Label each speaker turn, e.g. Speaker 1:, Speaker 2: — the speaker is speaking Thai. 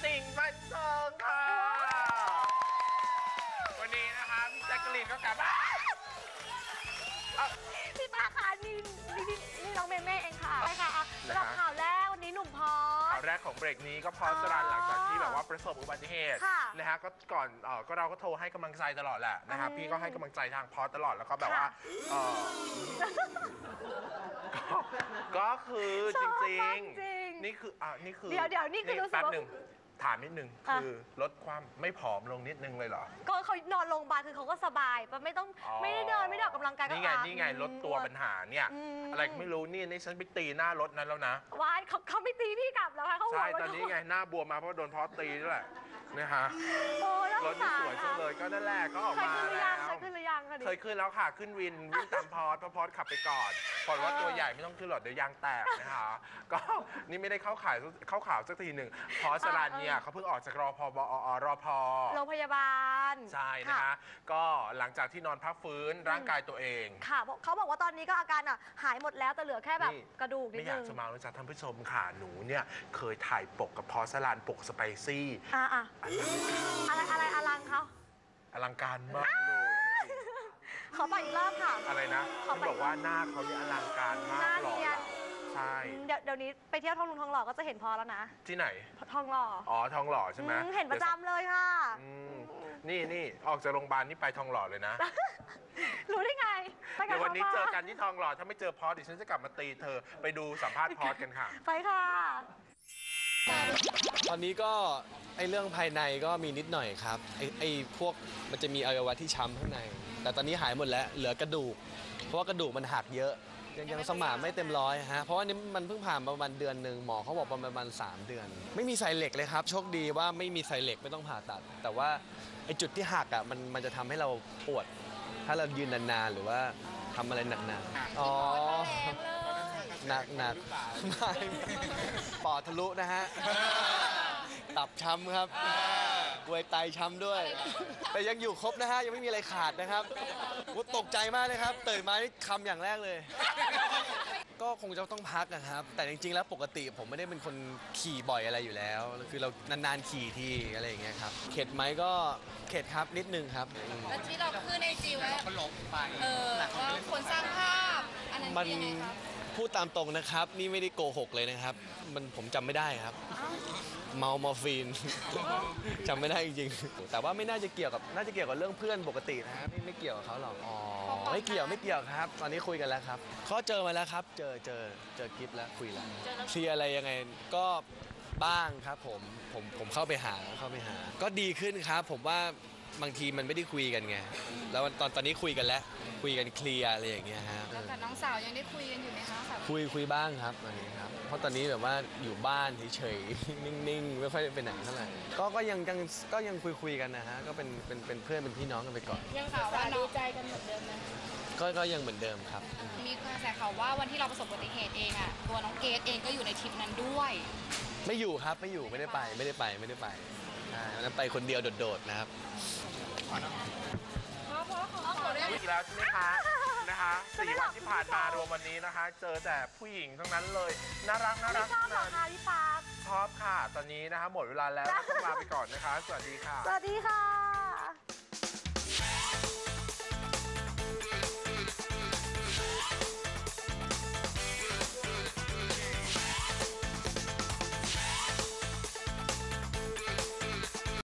Speaker 1: ติ่งบันเทิงค่ะวันนี้นะคะพี่แจ๊กกะลีนก็กลับ
Speaker 2: พี่ตาค่ะนี่น้องเมเม่เองค่ะใช่ค่ะสำหรับข่าวแรกวันนี้หนุ่มพอส
Speaker 1: ข่าวแรกของเบรกนี้ก็พอสรันหลังจากที่แบบว่าประสบอุบัติเหตุนะฮะก็ก่อนก็เราก็โทรให้กำลังใจตลอดแหละนะครับพี่ก็ให้กำลังใจทางพอสตลอดแล้วก็แบบว่าก็คือจริงๆนี่คือ
Speaker 2: เดี๋ยวนี่คือ
Speaker 1: แป๊บหนึ่งถามนิดนึงคือลดความไม่ผอมลงนิดนึงเลยเหรอ
Speaker 2: ก็เขานอนโรงพยาบาลคือเขาก็สบายไม่ได้เดินไม่ได้ออกกำลังกายก็
Speaker 1: นี่ไงลดตัวปัญหาเนี่ยอะไรไม่รู้นี่ฉันไปตีหน้ารถนั้นแล้วนะ
Speaker 2: วายเขาไม่ตีพี่กลับแล้วค่ะเขา
Speaker 1: ใช่ตอนนี้ไงหน้าบวมมาเพราะโดนพอสตีนี่แหละนะฮะรถนี่สวยจังเลยก็นั่นแหละก็ออกมาแล้ว
Speaker 2: เคยขึ้นหรือยัง
Speaker 1: เคยขึ้นแล้วค่ะขึ้นวิ่งตามพอสขับไปก่อนพอว่าตัวใหญ่ไม่ต้องขึ้นหรอกเดี๋ยวยางแตกนะคะก็นี่ไม่ได้เข้าข่าวสักทีหนึ่งพอสรันเนี่ยเขาเพิ่งออกจากรพ
Speaker 2: โรงพยาบาล
Speaker 1: ใช่นะคะก็หลังจากที่นอนพักฟื้นร่างกายตัวเอง
Speaker 2: ค่ะเขาบอกว่าตอนนี้ก็อาการหายหมดแล้วแต่เหลือแค่แบบกระดูกนิดนึง
Speaker 1: ไม่อยากจะมาแล้วจ้ะท่านผู้ชมค่ะหนูเนี่ยเคยถ่ายปกกับพอสรันปกสไปซี่
Speaker 2: อะไรอลังเขา
Speaker 1: อลังการมากเลย
Speaker 2: ขอไปอีกรอบค่ะ
Speaker 1: อะไรนะเขาบอกว่าหน้าเขาเนี่ยอลังการมากหล่อใช่
Speaker 2: เดี๋ยวนี้ไปเที่ยวทองหล่อก็จะเห็นพอแล้วนะ
Speaker 1: ที่ไหน
Speaker 2: ทองหล่อ
Speaker 1: ทองหล่อใช่ไหม
Speaker 2: เห็นประจำเลยค่ะ
Speaker 1: นี่ออกจากโรงพยาบาลนี่ไปทองหล่อเลยนะ
Speaker 2: รู้ได้ไง
Speaker 1: เดี๋ยววันนี้เจอกันที่ทองหล่อถ้าไม่เจอพอสดิฉันจะกลับมาตีเธอไปดูสัมภาษณ์พอสกันค่ะ
Speaker 2: ไปค่ะ
Speaker 3: ตอนนี้ก็เรื่องภายในก็มีนิดหน่อยครับพวกมันจะมีอวัยวะที่ช้ำข้างในแต่ตอนนี้หายหมดแล้วเหลือกระดูกเพราะว่ากระดูกมันหักเยอะยังสมานไม่เต็มร้อยฮะเพราะว่านี่มันเพิ่งผ่านประมาณเดือนหนึ่งหมอเขาบอกประมาณ3 เดือนไม่มีใส่เหล็กเลยครับโชคดีว่าไม่มีใส่เหล็กไม่ต้องผ่าตัดแต่ว่าจุดที่หักมันจะทำให้เราปวดถ้าเรายืนนานๆหรือว่าทำอะไรหนักๆหนักไม่ปอดทะลุนะฮะตับช้ำครับกล้วยไตช้ำด้วยแต่ยังอยู่ครบนะฮะยังไม่มีอะไรขาดนะครับตกใจมากเลยครับตื่นมานี่คำอย่างแรกเลยก็คงจะต้องพักนะครับแต่จริงๆแล้วปกติผมไม่ได้เป็นคนขี่บ่อยอะไรอยู่แล้วคือเรานานๆขี่ทีอะไรอย่างเงี้ยครับเข็ดไหมก็เข็ดครับนิดนึงครับ
Speaker 4: แล้วที่เราขึ้นในจีว่าเขาหลงไปว่าคนสร้างภาพอันนั้น
Speaker 3: มันพูดตามตรงนะครับนี่ไม่ได้โกหกเลยนะครับผมจำไม่ได้ครับเมามอร์ฟีนจำไม่ได้จริงๆแต่ว่าไม่น่าจะเกี่ยวกับเรื่องเพื่อนปกตินะครับไม่เกี่ยวกับเขาหรอกไม่เกี่ยวครับตอนนี้คุยกันแล้วครับเขาเจอมาแล้วครับเจอกิฟต์แล้วคุยแล้วเคลียร์อะไรยังไงก็บ้างครับผมเข้าไปหาก็ดีขึ้นครับผมว่าบางทีมันไม่ได้คุยกันไงแล้วตอนนี้คุยกันแล้วคุยกันเคลียร์อะไรอย่างเงี้ยฮะ
Speaker 4: แล้วกับน้องสาวยังได้คุยกันอยู่ไหมคะ
Speaker 3: คุยบ้างครับตอนนี้ครับเพราะตอนนี้แบบว่าอยู่บ้านเฉยๆนิ่งๆไม่ค่อยไปไหนเท่าไหร่ก็ยังคุยกันนะฮะก็เป็นเพื่อนเป็นพี่น้องกันไปก่อน
Speaker 4: ยังข่าวว่าดูใจกันเหมือนเดิมนะ
Speaker 3: ก็ยังเหมือนเดิมครับ
Speaker 4: มีกระแสข่าวว่าวันที่เราประสบอุบัติเหตุเองอ่ะตัวน้องเกดเองก็อยู่ในทริปนั้นด้วย
Speaker 3: ไม่อยู่ครับไม่ได้ไปนั้นไปคนเดียวโดดๆนะครับ
Speaker 1: อีกแล้วใช่ไหมคะ4 วันที่ผ่านมารวมวันนี้นะคะเจอแต่ผู้หญิงทั้งนั้นเลยน่ารัก
Speaker 2: ชอบเหรอคะพี่ป๊า
Speaker 1: ชอบค่ะตอนนี้นะคะหมดเวลาแล้วต้องลาไปก่อนนะคะสวัสดีค่ะ
Speaker 2: สวัสดีค่ะ